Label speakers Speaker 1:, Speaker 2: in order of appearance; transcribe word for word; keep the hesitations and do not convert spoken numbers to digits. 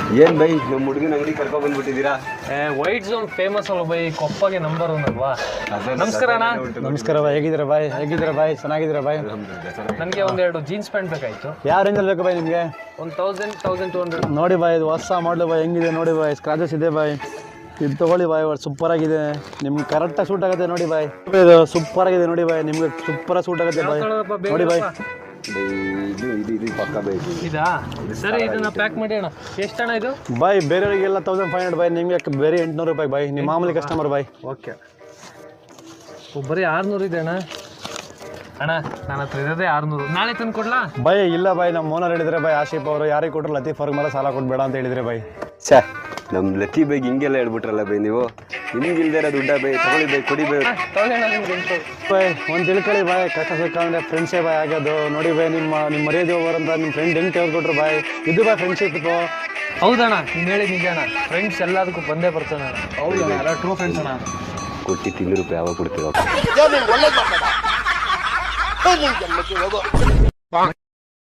Speaker 1: ಏನ್ ಬೈ ನಮ್ಮ ಹುಡುಗನ ಅಂಗಡಿ ಕರ್ಕೊಂಡ್ ಬಂದ್ಬಿಟ್ಟಿದ್ದೀರಾ?
Speaker 2: ವೈಟ್ ಝೋನ್ ಫೇಮಸ್ ಅಲ್ಲ ಬೈ, ಕೊಪ್ಪಗೆ ನಂಬರ್ ಒನ್ ಅಲ್ವಾ? ನಮಸ್ಕಾರ ಅಣ್ಣ.
Speaker 3: ನಮಸ್ಕಾರ ಬಾಯ್, ಹೇಗಿದ್ದೀರಾ ಬಾಯ್? ಹೇಗಿದ್ದೀರಾ ಬಾಯ್? ಚೆನ್ನಾಗಿದ್ದೀರಾ ಬಾಯ್?
Speaker 2: ನನಗೆ ಒಂದೆರಡು ಜೀನ್ಸ್ ಪ್ಯಾಂಟ್ ಬೇಕಾಯ್ತು.
Speaker 3: ಯಾವ ರೇಂಜಲ್ಲಿ ಬೇಕು ಬಾಯ್ ನಿಮಗೆ?
Speaker 2: ಒಂದು ತೌಸಂಡ್ ತೌಸಂಡ್ ಟು ಹಂಡ್ರೆಡ್.
Speaker 3: ನೋಡಿ ಬಾಯ್, ಇದು ಹೊಸ ಮಾಡಲು ಬಾಯ್, ಹೆಂಗಿದೆ ನೋಡಿ ಬಾಯ್, ಸ್ಕ್ರಾಚಸ್ ಇದೆ ಬಾಯ್, ಇದು ತೊಗೊಳ್ಳಿ ಬಾಯ್, ಸೂಪರ್ ಆಗಿದೆ, ನಿಮ್ಗೆ ಕರೆಕ್ಟಾಗಿ ಸೂಟ್ ಆಗುತ್ತೆ ನೋಡಿ ಬಾಯ್. ಇದು ಸೂಪರ್ ಆಗಿದೆ ನೋಡಿ ಬಾಯ್, ನಿಮ್ಗೆ ಸೂಪರ್ ಸೂಟ್ ಆಗುತ್ತೆ ಬಾಯ್, ನೋಡಿ ಬಾಯ್.
Speaker 1: ಇದು ಇದು ಇದು ಪಕ್ಕ ಬೇಕು.
Speaker 2: ಇದಾ? ಸರಿ, ಇದನ್ನ ಪ್ಯಾಕ್ ಮಾಡಿ ಅಣ್ಣ. ಎಷ್ಟು ಅಣ್ಣ ಇದು?
Speaker 3: ಬಾಯ್ ಬೇರೆಯವರಿಗೆಲ್ಲ ತೌಸಂಡ್ ಫೈವ್ ಹಂಡ್ರೆಡ್ ಬಾಯ್, ನಿಮಗೆ ಬೇರೆ ಎಂಟುನೂರು ರೂಪಾಯಿ ಬಾಯ್, ನಿಮ್ಮ ಮಾಮೂಲಿ ಕಸ್ಟಮರ್ ಬಾಯ್.
Speaker 2: ಓಕೆ, ಬರೀ ಆರುನೂರು ಇದೆ ಅಣ್ಣ. ಅಣ್ಣ ನನ್ನ ಹತ್ರ ಇರೋದೇ ಆರುನೂರು, ನಾಳೆ ತಂದು ಕೊಡ್ಲಾ?
Speaker 3: ಬಾಯ್ ಇಲ್ಲ ಬಾಯ್, ನಮ್ಮ ಓನರ್ ಹೇಳಿದ್ರೆ ಬಾಯ್, ಆಶೀಫ್ ಅವರು ಯಾರಿಗೆ ಕೊಟ್ಟರು ಲತೀಫ್ ಅವ್ರಿಗೆ ಮೇಲೆ ಸಾಲ ಕೊಡ್ಬೇಡ ಅಂತ ಹೇಳಿದ್ರೆ ಬಾಯ್.
Speaker 1: ಛೇ, ನಮ್ಮ ಲತಿ ಬೈಗ್ ಹಿಂಗೆಲ್ಲ ಹೇಳ್ಬಿಟ್ರಲ್ಲ ಬೈ ನೀವು. ನಿಮ್ಗೆ ಇಲ್ದೇ ಇರೋ ದುಡ್ಡ ಬೈ, ತಗೊಳ್ಳಿ ಬೈ, ಕೊಡಿ ಬೈ.
Speaker 3: ಬಾಯ್ ಒಂದು ತಿಳ್ಕೊಳ್ಳಿ ಬಾಯ್, ಕಷ್ಟ ಸುಖ ಅಂದರೆ ಫ್ರೆಂಡ್ಸೇ ಬಾಯ್ ಆಗೋದು. ನೋಡಿ ಬಾಯ್, ನಿಮ್ಮ ನಿಮ್ಮ ಮರ್ಯಾದೆ ಹೋಗೋರಂತ ನಿಮ್ಮ ಫ್ರೆಂಡ್ ಹೆಂಗೆ ತೆಗೆದುಕೊಟ್ರು ಬಾಯ್, ಇದು ಬಾಯ್ ಫ್ರೆಂಡ್ಶಿಪ್ ಇದು.
Speaker 2: ಹೌದಣ್ಣ, ನೀನು ಹೇಳಿದ ನಿಜ ಅಣ್ಣ, ಫ್ರೆಂಡ್ಸ್ ಎಲ್ಲದಕ್ಕೂ ಬಂದೇ ಬರ್ತಾನೆ ಅಣ್ಣ. ಹೌದಣ್ಣ, ಎಲ್ಲ ಟ್ರೂ ಫ್ರೆಂಡ್ಸ್ ಅಣ್ಣ.
Speaker 1: ಕೊಟ್ಟು ತಿಂಗಳು ರೂಪಾಯಿ ಯಾವಾಗ ಕೊಡ್ತೀರೋ?